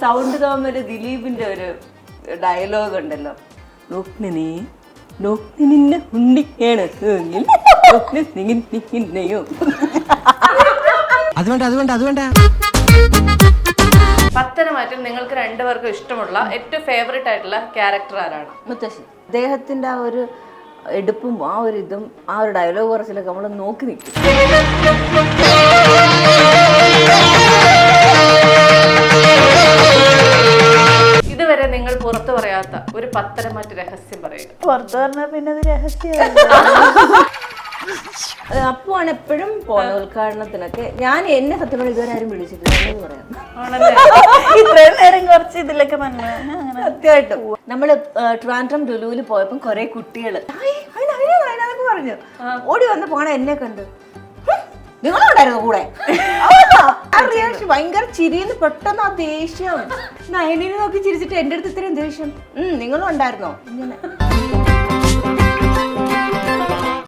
Sound തോമല് ദിലീപിന്റെ ഒരു dialogue ഉണ്ടല്ലോ, നോക്കിനെ നിന്നെ ഉണ്ണിയാണ് അതുവേണ്ട പത്തനംതിട്ടയിൽ നിങ്ങൾക്ക് രണ്ടുപേർക്കും ഇഷ്ടമുള്ള ഏറ്റവും ഫേവറേറ്റ് ആയിട്ടുള്ള ക്യാരക്ടർ ആരാണ്? മുത്തശ്ശി. അദ്ദേഹത്തിന്റെ ആ ഒരു എടുപ്പും ആ ഒരു ഇതും ആ ഒരു ഡയലോഗ് കുറച്ചിലൊക്കെ നമ്മൾ നോക്കി നിൽക്കും. ഇതുവരെ നിങ്ങൾ പുറത്തു പറയാത്ത ഒരു പത്തനംതിട്ട രഹസ്യം പറയുക. പുറത്തു പറഞ്ഞാൽ പിന്നെ അത് രഹസ്യമാണ്. അപ്പുവാണ് എപ്പോഴും പോകുന്ന ഉദ്ഘാടനത്തിനൊക്കെ. എന്നെ സത്യം പറഞ്ഞാൽ ഇതുവരെ ആരും വിളിച്ചിട്ടില്ല പറയാം. ഇത്രയും നേരം കുറച്ച് ഇതിലൊക്കെ തന്നെ സത്യമായിട്ടും നമ്മള് ട്രിവാൻഡ്രം ലുലുവിൽ പോയപ്പോ കുറെ കുട്ടികള് പറഞ്ഞു ഓടി വന്ന് പോണ എന്നെ കണ്ട് നിങ്ങളുണ്ടായിരുന്നു കൂടെ. ഭയങ്കര ചിരിന്ന് പെട്ടെന്ന് ആ ദേഷ്യം നയനിനെ നോക്കി ചിരിച്ചിട്ട് എന്റെ അടുത്ത് ഇത്രയും ദേഷ്യം നിങ്ങളും ഉണ്ടായിരുന്നോ ഇങ്ങനെ.